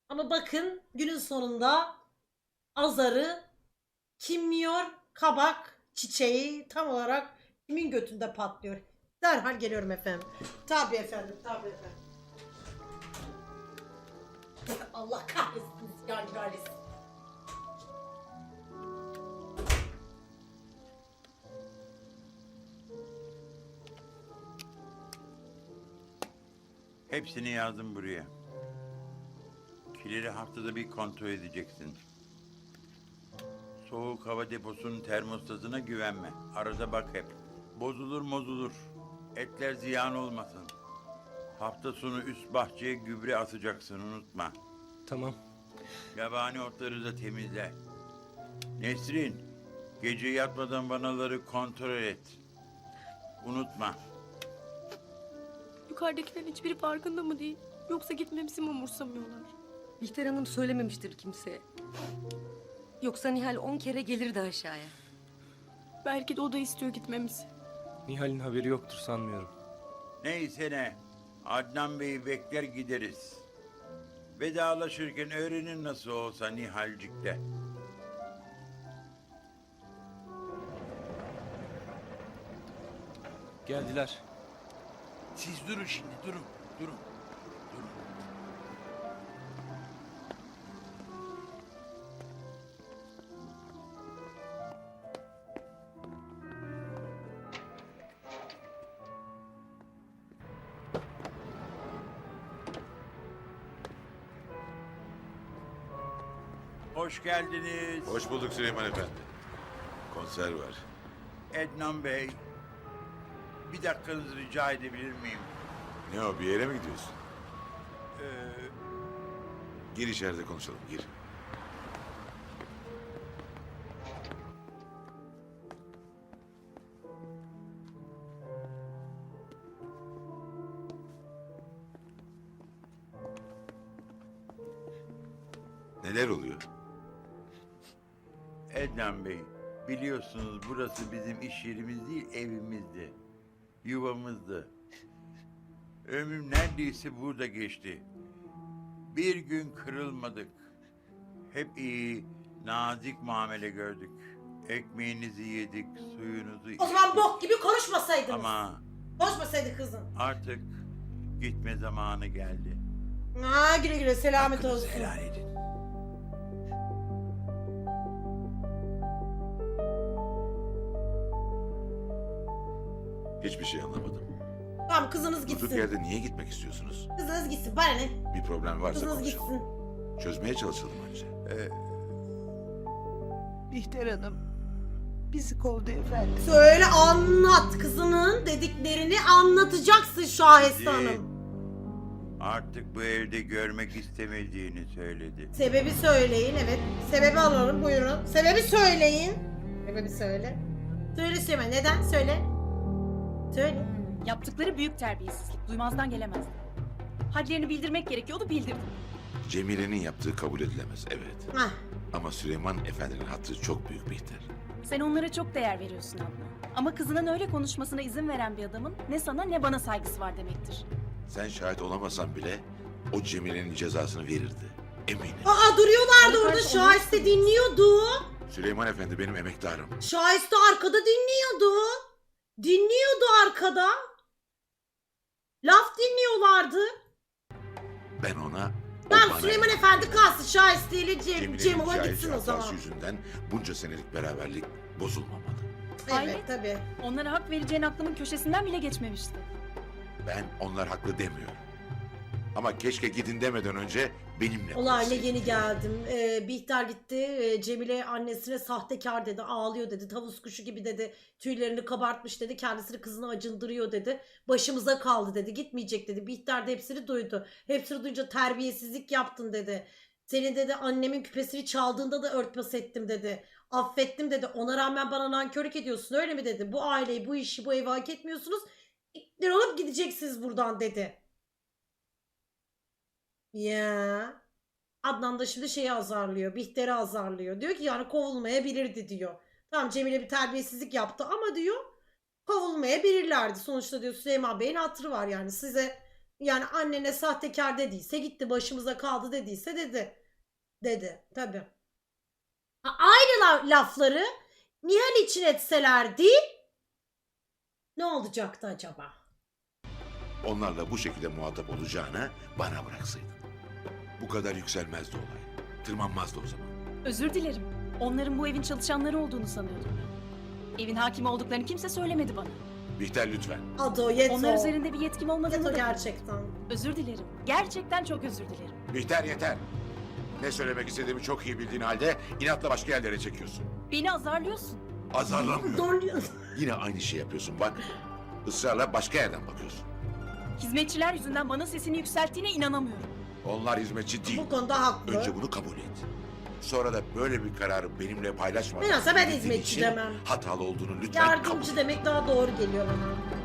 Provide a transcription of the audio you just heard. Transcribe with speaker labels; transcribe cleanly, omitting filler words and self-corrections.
Speaker 1: Ama bakın günün sonunda azarı kim yiyor? Kabak çiçeği tam olarak kimin götünde patlıyor? Derhal geliyorum efendim. Tabii efendim, tabii efendim. Allah kahretsin, yani kahretsin.
Speaker 2: Hepsini yazdım buraya. Kileri haftada bir kontrol edeceksin. Soğuk hava deposunun termostatına güvenme. Arada bak hep. Bozulur. Etler ziyan olmasın. Hafta sonu üst bahçeye gübre atacaksın, unutma.
Speaker 3: Tamam.
Speaker 2: Yabani otları da temizle. Nesrin, gece yatmadan vanaları kontrol et. Unutma.
Speaker 4: Yukarıdakilerin hiçbiri farkında mı değil? Yoksa gitmemizi mi umursamıyorlar?
Speaker 5: Bihter Hanım söylememiştir kimseye. Yoksa Nihal 10 kere gelirdi aşağıya.
Speaker 4: Belki de o da istiyor gitmemizi.
Speaker 3: Nihal'in haberi yoktur sanmıyorum.
Speaker 2: Neyse ne. Adnan Bey'i bekler gideriz. Vedalaşırken öğrenin nasıl olsa Nihalcik'te.
Speaker 3: Geldiler.
Speaker 2: Siz durun şimdi, durun. Hoş geldiniz.
Speaker 6: Hoş bulduk Süleyman Efendi. Konser var.
Speaker 2: Ednan Bey. Bir dakikanızı rica edebilir miyim?
Speaker 6: Ne o, bir yere mi gidiyorsun?
Speaker 2: Ee,
Speaker 6: Gir içeride konuşalım, gir. Neler oluyor?
Speaker 2: Ednan Bey, biliyorsunuz burası bizim iş yerimiz değil, evimizdi. Yuvamızdı. Ömrüm neredeyse burada geçti. Bir gün kırılmadık. Hep iyi, nazik muamele gördük. Ekmeğinizi yedik, suyunuzu içtik.
Speaker 1: O zaman bok gibi konuşmasaydınız.
Speaker 2: Ama
Speaker 1: Konuşmasaydı kızım.
Speaker 2: artık gitme zamanı geldi.
Speaker 1: Ha, güle güle selamet
Speaker 2: Hakkınızı
Speaker 1: olsun.
Speaker 2: helal edin.
Speaker 6: Hiçbir şey anlamadım.
Speaker 1: Tamam, kızınız
Speaker 6: Durduk
Speaker 1: gitsin.
Speaker 6: yerde niye gitmek istiyorsunuz?
Speaker 1: Kızınız gitsin, bana ne?
Speaker 6: Bir problem varsa
Speaker 1: Kızınız
Speaker 6: konuşalım.
Speaker 1: gitsin.
Speaker 6: Çözmeye çalışalım önce.
Speaker 7: Bihter Hanım bizi kovdu efendim.
Speaker 1: Söyle, anlat, kızının dediklerini anlatacaksın Şahiste
Speaker 2: Bizi
Speaker 1: Hanım.
Speaker 2: artık bu evde görmek istemediğini söyledi.
Speaker 1: Sebebi söyleyin, evet. Sebebi alalım, buyurun. Sebebi söyleyin. Sebebi söyle. Söyle Süleyman, neden? Söyle. Söyle.
Speaker 8: Yaptıkları büyük terbiyesizlik. Duymazdan gelemezdi. Hadlerini bildirmek gerekiyordu, bildirdim.
Speaker 6: Cemile'nin yaptığı kabul edilemez, evet.
Speaker 1: Hah.
Speaker 6: Ama Süleyman Efendi'nin hatırı çok büyük Bihter.
Speaker 8: Sen onlara çok değer veriyorsun abla. Ama kızının öyle konuşmasına izin veren bir adamın ne sana ne bana saygısı var demektir.
Speaker 6: Sen şahit olamasan bile o Cemile'nin cezasını verirdi. Eminim.
Speaker 1: Aa, duruyorlardı
Speaker 8: Bana
Speaker 1: orada,
Speaker 8: karşı
Speaker 1: Şahiste dinliyordu.
Speaker 6: Süleyman Efendi benim emektarım.
Speaker 1: Şahiste arkada dinliyordu. Dinliyordu arkada. Laf dinliyorlardı.
Speaker 6: Ben ona... o
Speaker 1: Tamam,
Speaker 6: bana
Speaker 1: Süleyman
Speaker 6: emanet.
Speaker 1: Efendi kalsın, Şahiste ile
Speaker 6: Cemile'nin
Speaker 1: Cemil'e
Speaker 6: cahilce
Speaker 1: gitsin o zaman.
Speaker 6: hatası yüzünden bunca senelik beraberlik bozulmamalı.
Speaker 1: Evet,
Speaker 8: Hayret.
Speaker 1: tabii.
Speaker 8: Onlara hak vereceğin aklımın köşesinden bile geçmemişti.
Speaker 6: Ben onlar haklı demiyorum. Ama keşke gidin demeden önce benimle
Speaker 1: Olayla
Speaker 6: konuşsaydın.
Speaker 1: yeni geldim. Bihter gitti. Cemile annesine sahtekar dedi. Ağlıyor dedi. Tavus kuşu gibi dedi. Tüylerini kabartmış dedi. Kendisini kızına acındırıyor dedi. Başımıza kaldı dedi. Gitmeyecek dedi. Bihter de hepsini duydu. Hepsini duyunca terbiyesizlik yaptın dedi. Senin dedi annemin küpesini çaldığında da örtbas ettim dedi. Affettim dedi. Ona rağmen bana nankörlük ediyorsun öyle mi dedi. Bu aileyi, bu işi, bu evi hak etmiyorsunuz. İktir olup gideceksiniz buradan dedi. Ya. Adnan da şimdi şeyi azarlıyor. Bihter'i azarlıyor. Diyor ki yani kovulmayabilirdi diyor. Tamam, Cemile bir terbiyesizlik yaptı ama diyor kovulmayabilirlerdi. Sonuçta diyor Süleyman Bey'in hatırı var yani. Size Yani annene sahtekar dediyse gitti, başımıza kaldı dediyse dedi. Tabii. Aynı lafları Nihal için etselerdi ne olacaktı acaba?
Speaker 6: Onlarla bu şekilde muhatap olacağına bana bıraksaydın. Bu kadar yükselmezdi olay. Tırmanmazdı o zaman.
Speaker 8: Özür dilerim. Onların bu evin çalışanları olduğunu sanıyordum. Evin hakimi olduklarını kimse söylemedi bana.
Speaker 6: Bihter lütfen.
Speaker 1: Adı Yeto.
Speaker 8: Onlar üzerinde bir yetkim olmadığını
Speaker 1: Yeto
Speaker 8: da...
Speaker 1: gerçekten.
Speaker 8: Özür dilerim. Gerçekten çok özür dilerim.
Speaker 6: Bihter yeter. Ne söylemek istediğimi çok iyi bildiğin halde inatla başka yerlere çekiyorsun.
Speaker 8: Beni azarlıyorsun.
Speaker 6: Azarlamıyorum.
Speaker 1: Doğru.
Speaker 6: Yine aynı şey yapıyorsun bak. Israrla başka yerden bakıyorsun.
Speaker 8: Hizmetçiler yüzünden bana sesini yükselttiğine inanamıyorum.
Speaker 6: Onlar hizmetçi değil.
Speaker 1: Bu konuda haklı.
Speaker 6: Önce bunu kabul et. Sonra da böyle bir kararı benimle paylaşmadan...
Speaker 1: Bilhassa ben
Speaker 6: bildiğin
Speaker 1: hizmetçi
Speaker 6: için
Speaker 1: demem.
Speaker 6: Hatalı olduğunu lütfen kabul
Speaker 1: Yardımcı
Speaker 6: et.
Speaker 1: demek daha doğru geliyor bana.